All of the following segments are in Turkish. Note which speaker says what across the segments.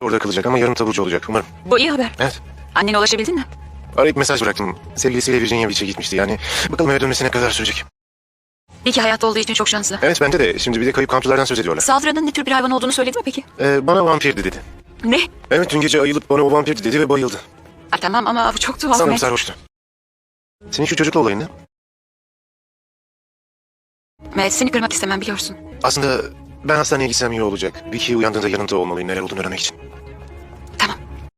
Speaker 1: Orada kalacak ama yarın taburcu olacak umarım.
Speaker 2: Bu iyi haber.
Speaker 1: Evet.
Speaker 2: Annene ulaşabildin mi?
Speaker 1: Arayıp mesaj bıraktım. Sevgilisiyle Virginia Beach'e gitmişti yani. Bakalım eve dönmesine kadar sürecek.
Speaker 2: İyi ki hayatta olduğu için çok şanslı.
Speaker 1: Evet bende de. Şimdi bir de kayıp kampçılardan söz ediyorlar.
Speaker 2: Saldıranın ne tür bir hayvan olduğunu söyledi mi peki?
Speaker 1: Bana vampirdi dedi.
Speaker 2: Ne?
Speaker 1: Evet dün gece ayılıp bana o vampirdi dedi ve bayıldı.
Speaker 2: Ha, tamam ama bu çok tuhaf.
Speaker 1: Sanırım
Speaker 2: Matt.
Speaker 1: sarhoştu. Senin şu çocukla olayın ne?
Speaker 2: Matt, seni kırmak istemem biliyorsun.
Speaker 1: Aslında ben hastaneye gitsem iyi olacak. Vicky uyandığında yanında olmalıyım neler olduğunu öğrenmek için.
Speaker 2: Tamam.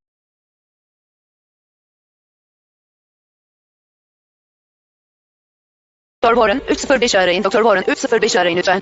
Speaker 3: Doktor Warren 305'i arayın. Doktor Warren 305'i arayın lütfen.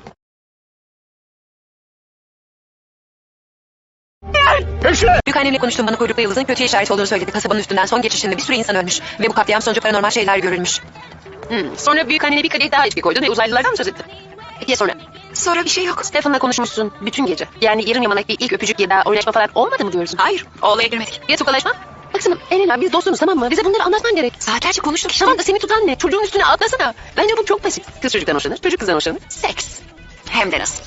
Speaker 3: Büyükannemle konuştum, bana kuyruklu yıldızın kötü işaret olduğunu söyledi. Kasabanın üstünden son geçişinde bir sürü insan ölmüş. Ve bu katliam sonucu paranormal şeyler görülmüş. Sonra büyükannene bir kadeh daha içki koydun ve uzaylılardan mı söz ettin? Peki ya sonra?
Speaker 2: Sonra bir şey yok.
Speaker 3: Stefan'la konuşmuşsun bütün gece. Yani yarım yamalak bir ilk öpücük ya da oynaşma falan olmadı mı diyorsun?
Speaker 2: Hayır, o olaya girmedik.
Speaker 3: Ya tokalaşma? Baksana Elena, biz dostumuz tamam mı? Bize bunları anlatman gerek.
Speaker 2: Saatlerce konuştuk işte.
Speaker 3: Tamam da seni tutan ne? Çocuğun üstüne atlasana. Bence bu çok basit. Kız çocuktan hoşlanır, çocuk kızdan hoşlanır. Seks.
Speaker 2: Hem de nasıl.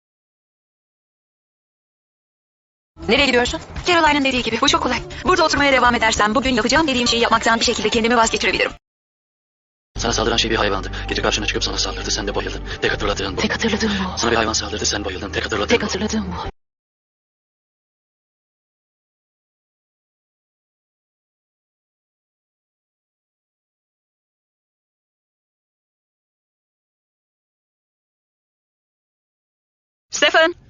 Speaker 3: Nereye gidiyorsun?
Speaker 2: Caroline'ın dediği gibi bu çok kolay. Burada oturmaya devam edersem bugün yapacağım dediğim şeyi yapmaktan bir şekilde kendimi vazgeçirebilirim.
Speaker 4: Sana saldıran şey bir hayvandı. Gece karşına çıkıp sana saldırdı, sen de bayıldın. Tek hatırladığın bu.
Speaker 3: Tek hatırladığım bu.
Speaker 4: Sana bir hayvan saldırdı, sen bayıldın. Tek hatırladığın
Speaker 3: Tek
Speaker 4: bu.
Speaker 3: hatırladığım bu.
Speaker 2: Stefan!